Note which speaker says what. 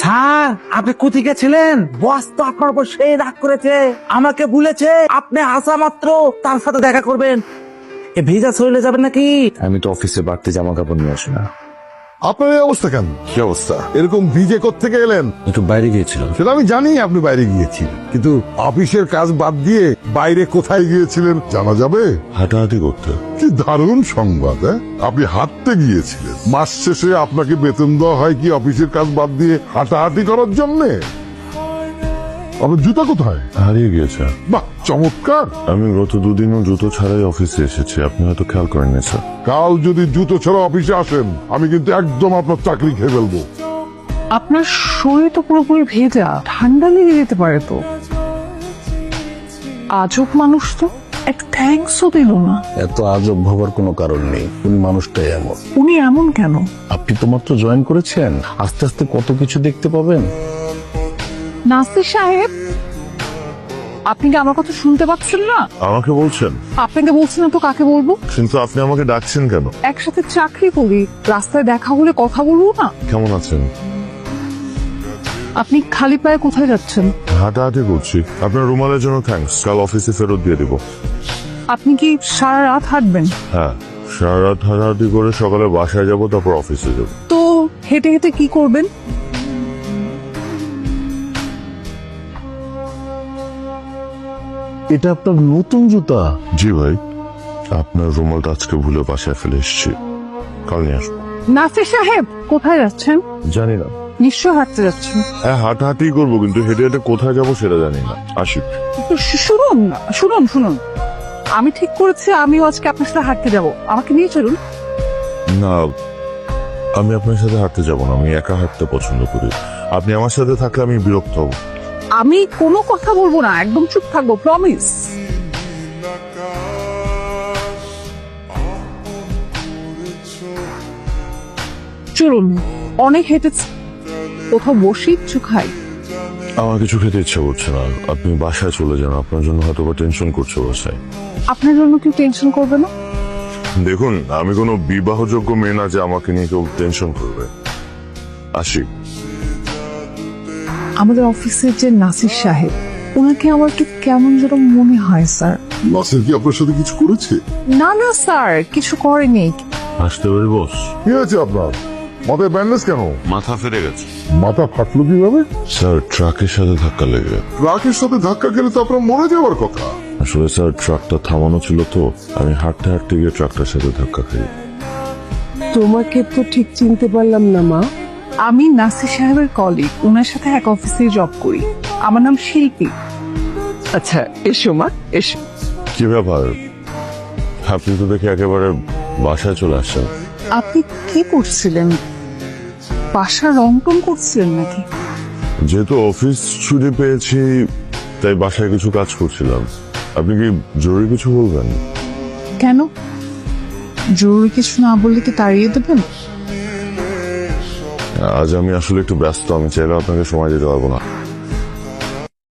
Speaker 1: Sir, আপনি কোথায় গেছিলেন? বস তো আপনার উপর সেই রাগ করেছে, আমাকে বলেছে আপনি আসা মাত্র তার সাথে দেখা করবেন। এ ভিজা চলে যাবেন নাকি?
Speaker 2: আমি তো অফিসে বাড়তি জামা কাপড় নিয়ে আসি না।
Speaker 3: আপনার এই অবস্থা কেন?
Speaker 2: কি অবস্থা?
Speaker 3: এরকম ভিজে কোত্থেকে এলেন?
Speaker 2: একটু বাইরে গিয়েছিলাম।
Speaker 3: সেটা আমি জানি আপনি বাইরে গিয়েছিলেন, কিন্তু অফিসের কাজ বাদ দিয়ে বাইরে কোথায় গিয়েছিলেন জানা যাবে?
Speaker 2: হাঁটাহাঁটি করতে।
Speaker 3: কি দারুণ সংবাদ! আপনি হাঁটতে গিয়েছিলেন। মাস শেষে আপনাকে বেতন দেওয়া হয় কি অফিসের কাজ বাদ দিয়ে হাঁটাহাঁটি করার জন্য? আপনার জুতা কোথায়?
Speaker 2: হারিয়ে গিয়েছে।
Speaker 3: বাহ, চমৎকার!
Speaker 2: আমি গত দুদিনও জুতো ছাড়াই অফিসে এসেছি, আপনি হয়তো খেয়াল করেননি স্যার।
Speaker 3: কাল যদি জুতো ছাড়া অফিসে আসেন, আমি কিন্তু একদম আপনার চাকরি খেয়ে ফেলবো।
Speaker 4: আপনার শরীর তো পুরোপুরি ভেজা, ঠান্ডা লেগে যেতে পারে তো। আজব মানুষ তো, একটা থ্যাঙ্কসও দিল না।
Speaker 5: এত আজব ভাবার কোনো কারণ নেই, উনি মানুষটাই এমন।
Speaker 4: উনি এমন কেন?
Speaker 5: আপনি তো মাত্র জয়েন করেছেন, আস্তে আস্তে কত কিছু দেখতে পাবেন।
Speaker 4: নাসির সাহেব, আপনি কি আমার কথা শুনতে পাচ্ছেন না?
Speaker 2: আমাকে বলছেন?
Speaker 4: আপনাকে বলছি না তো কাকে বলবো?
Speaker 2: কিন্তু আপনি আমাকে ডাকছেন কেন?
Speaker 4: একসাথে চাকরি করি, রাস্তায় দেখা হলে কথা বলবো না?
Speaker 2: কেমন আছেন?
Speaker 4: আপনি খালি পায়ে কোথায় যাচ্ছেন?
Speaker 2: হাঁটাহাঁটি করছি। আপনার রুমালের জন্য থ্যাঙ্কস, কাল অফিসে ফেরত দিয়ে দিব।
Speaker 4: আপনি কি সারা রাত হাঁটবেন?
Speaker 2: হ্যাঁ, সারা রাত হাঁটাহাঁটি করে সকালে বাসায় যাব, তারপর অফিসে যাব।
Speaker 4: তো হেঁটে হেঁটে কি করবেন?
Speaker 5: এটা আপনার নতুন জুতা?
Speaker 2: জি ভাই, আপনার রুমালটা আজকে ভুলে বাসায় ফেলে এসেছি, কাল নিয়ে আসবো।
Speaker 4: নাসির সাহেব, কোথায় যাচ্ছেন?
Speaker 2: জানি না।
Speaker 4: নিশ্চয় হাঁটতে যাচ্ছেন।
Speaker 2: হ্যাঁ, হাঁটাহাঁটি করবো, কিন্তু হেঁটে হেঁটে কোথায় যাবো সেটা জানি না। আসি।
Speaker 4: শুনুন শুনুন শুনুন, আমি ঠিক করেছি আমিও আজকে আপনার সাথে হাঁটতে যাব, আমাকে নিয়ে চলুন।
Speaker 2: না, আমি আপনার সাথে হাঁটতে যাব না, আমি একা হাঁটতে পছন্দ করি। আপনি আমার সাথে থাকলে আমি বিরক্ত হব।
Speaker 4: আমি কোনো কথা বলবো না, একদম চুপ থাকবো, প্রমিস। চলুন, অনেক হেঁটেছি, কোথাও বসে কিছু খাই।
Speaker 2: আমার কিছু খেতে ইচ্ছা করছে না, আপনি বাসায় চলে যান, আপনার জন্য হয়তো বা টেনশন করছে বাসায়।
Speaker 4: আপনার জন্য কেউ টেনশন করবে না?
Speaker 2: দেখুন, আমি কোনো বিবাহযোগ্য মেয়ে না যে আমাকে নিয়ে কেউ টেনশন করবে। আসি।
Speaker 4: আমাদের অফিসের যে নাসির সাহেব, ওনাকে আমার একটু কেমন যেন মনে হয় স্যার।
Speaker 3: নাসির কি আপনার সাথে কিছু করেছে?
Speaker 4: না না স্যার, কিছু করেনি।
Speaker 2: আসতে পারি বস?
Speaker 3: কি হয়েছে আপনার? মাথায় ব্যান্ডেজ কেন?
Speaker 2: মাথা ফেরে গেছে।
Speaker 3: মাথা ফাটলো কিভাবে?
Speaker 2: স্যার, ট্রাকের সাথে ধাক্কা লেগে।
Speaker 3: ট্রাকের সাথে ধাক্কা খেলে তো আপনার মরে যাওয়ার কথা।
Speaker 2: আসলে স্যার, ট্রাকটা থামানো ছিল তো, আমি হাঁটতে হাঁটতে গিয়ে ট্রাকটার সাথে ধাক্কা খাই।
Speaker 6: তোমাকে তো ঠিক চিনতে পারলাম না মা।
Speaker 4: আমি নাসির সাহেবের কলিগ, ওনার সাথে এক অফিসে জব করি। আমার নাম শিল্পী।
Speaker 6: আচ্ছা, এসো মা, এসো।
Speaker 2: কি ব্যাপার, আপনি তো দেখে একেবারে বাসায় চলে আসছেন।
Speaker 4: আপনি কি করছিলেন? বাসা রং টং করছিলেন নাকি?
Speaker 2: যেহেতু অফিস ছুটি পেয়েছি, তাই বাসায় কিছু কাজ করছিলাম। আপনি কি জরুরি কিছু বলবেন?
Speaker 4: কেন, জরুরি কিছু না বললে কি তাড়িয়ে দেবেন?
Speaker 2: আজ আমি আসলে একটু ব্যস্ত, আমি চাইলে আপনাকে সময় দিতে পারবো না।